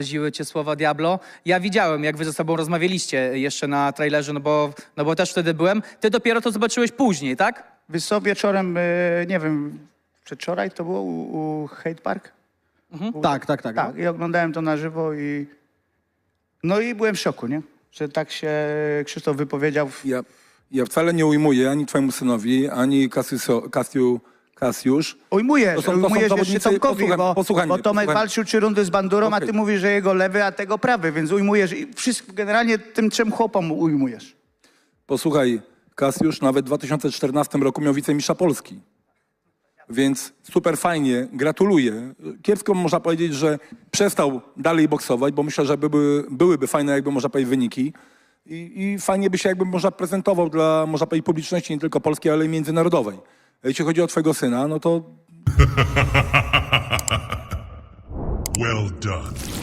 Ziły cię słowa Diablo. Ja widziałem, jak wy ze sobą rozmawialiście jeszcze na trailerze, no bo też wtedy byłem. Ty dopiero to zobaczyłeś później, tak? Wiesz co, wieczorem, nie wiem, przedwczoraj to było u Hate Park? Tak. Tak, i oglądałem to na żywo i... No i byłem w szoku, nie? Że tak się Krzysztof wypowiedział. Ja wcale nie ujmuję ani twojemu synowi, ani Kasiusz. Ujmujesz jeszcze zawodnicy- Tomkowi, posłuchaj bo mnie, Tomek posłuchaj. walczył 3 rundy z Bandurą, a Okej. ty mówisz, że jego lewy, a tego prawy, więc ujmujesz. I wszystko, generalnie tym 3 chłopom ujmujesz. Posłuchaj, Kasiusz nawet w 2014 roku miał wicemistrza Polski. Więc super fajnie, gratuluję. Kiepsko można powiedzieć, że przestał dalej boksować, bo myślę, że byłyby fajne, jakby można powiedzieć, wyniki. I fajnie by się jakby można prezentował dla, można powiedzieć, publiczności nie tylko polskiej, ale i międzynarodowej. Jeśli chodzi o twojego syna, no to Well done.